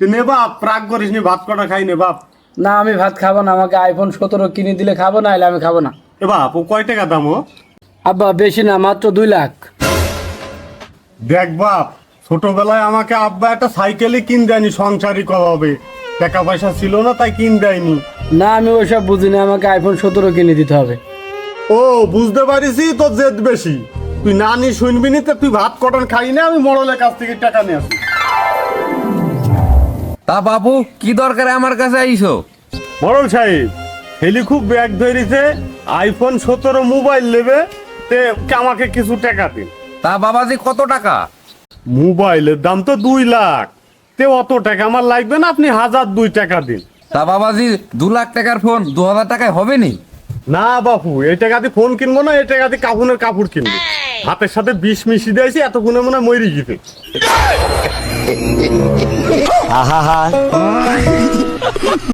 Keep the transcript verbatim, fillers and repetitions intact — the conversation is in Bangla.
তুই নে বাপ, রাগ করিস নি, ভাত কটা খাই নে বাপ। না আমি ভাত খাবো না, আমাকে আইফোন সতেরো কিনে দিলে খাবো, না হলে আমি খাবো না। এ বাপ, ও কয় টাকা দাম ও? আব্বা বেশি না, মাত্র দুই লাখ। দেখ বাপ, ছোটবেলায় আমাকে আব্বা একটা সাইকেলই কিন দেয়নি, সংসারই কবে টাকা পয়সা ছিল না তাই কিন দেয়নি। না আমি ওইসব বুঝি না, আমাকে আইফোন সতেরো কিনে দিতে হবে। ও বুঝতে পারিসি, তোর জেদ বেশি। তুই না নি শুনবি নি, তো তুই ভাত কটন খাই না, আমি মরলের কাছ থেকে টাকা নিয়ে আসি। তা বাবু কি দরকারে আমার কাছে আইছো? মরল সাহেব, হেলি খুব ব্যাগ ধরেছে, আইফোন সতেরো মোবাইল নেবে, তে আমাকে কিছু টাকা দিন। তা বাবাজি কত টাকা? মোবাইলের দাম তো দুই লাখ, তে অত টাকা আমার লাগবে না, আপনি হাজার দুই টাকা দিন। তা বাবাজি দু লাখ টাকার ফোন দু হাজার টাকায় হবে নি? না বাপু, এই টাকা দিয়ে ফোন কিনবো না, এই টাকা দিয়ে কাপুনের কাপড় কিনবো। হাতের সাথে বিষ মিশিয়ে দিয়েছি, এতক্ষণে মনে হয় মরি গেছে। আহা